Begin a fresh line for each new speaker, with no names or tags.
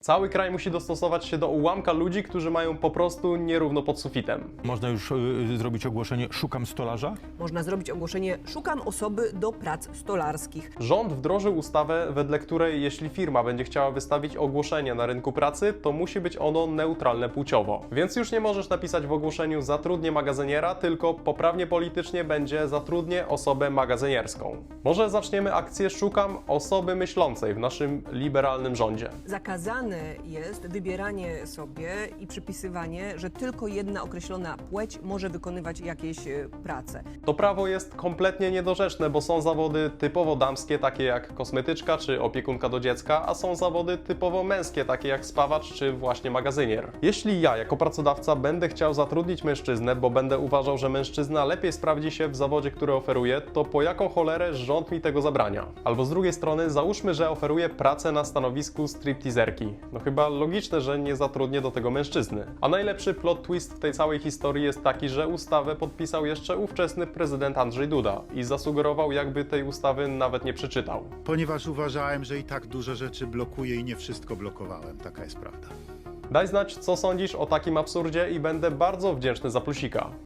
Cały kraj musi dostosować się do ułamka ludzi, którzy mają po prostu nierówno pod sufitem.
Można już zrobić ogłoszenie "szukam stolarza"?
Można zrobić ogłoszenie "szukam osoby do prac stolarskich".
Rząd wdrożył ustawę, wedle której jeśli firma będzie chciała wystawić ogłoszenie na rynku pracy, to musi być ono neutralne płciowo. Więc już nie możesz napisać w ogłoszeniu "zatrudnię magazyniera", tylko poprawnie politycznie będzie "zatrudnię osobę magazynierską". Może zaczniemy akcję "szukam osoby myślącej" w naszym liberalnym rządzie.
Zakazane jest wybieranie sobie i przypisywanie, że tylko jedna określona płeć może wykonywać jakieś prace.
To prawo jest kompletnie niedorzeczne, bo są zawody typowo damskie, takie jak kosmetyczka czy opiekunka do dziecka, a są zawody typowo męskie, takie jak spawacz czy właśnie magazynier. Jeśli ja jako pracodawca będę chciał zatrudnić mężczyznę, bo będę uważał, że mężczyzna lepiej sprawdzi się w zawodzie, który oferuje, to po jaką cholerę rząd mi tego zabrania? Albo z drugiej strony załóżmy, że oferuję pracę na stanowisku stripteaserki. No chyba logiczne, że nie zatrudnię do tego mężczyzny. A najlepszy plot twist w tej całej historii jest taki, że ustawę podpisał jeszcze ówczesny prezydent Andrzej Duda i zasugerował, jakby tej ustawy nawet nie przeczytał.
Ponieważ uważałem, że i tak dużo rzeczy blokuję i nie wszystko blokowałem. Taka jest prawda.
Daj znać, co sądzisz o takim absurdzie i będę bardzo wdzięczny za plusika.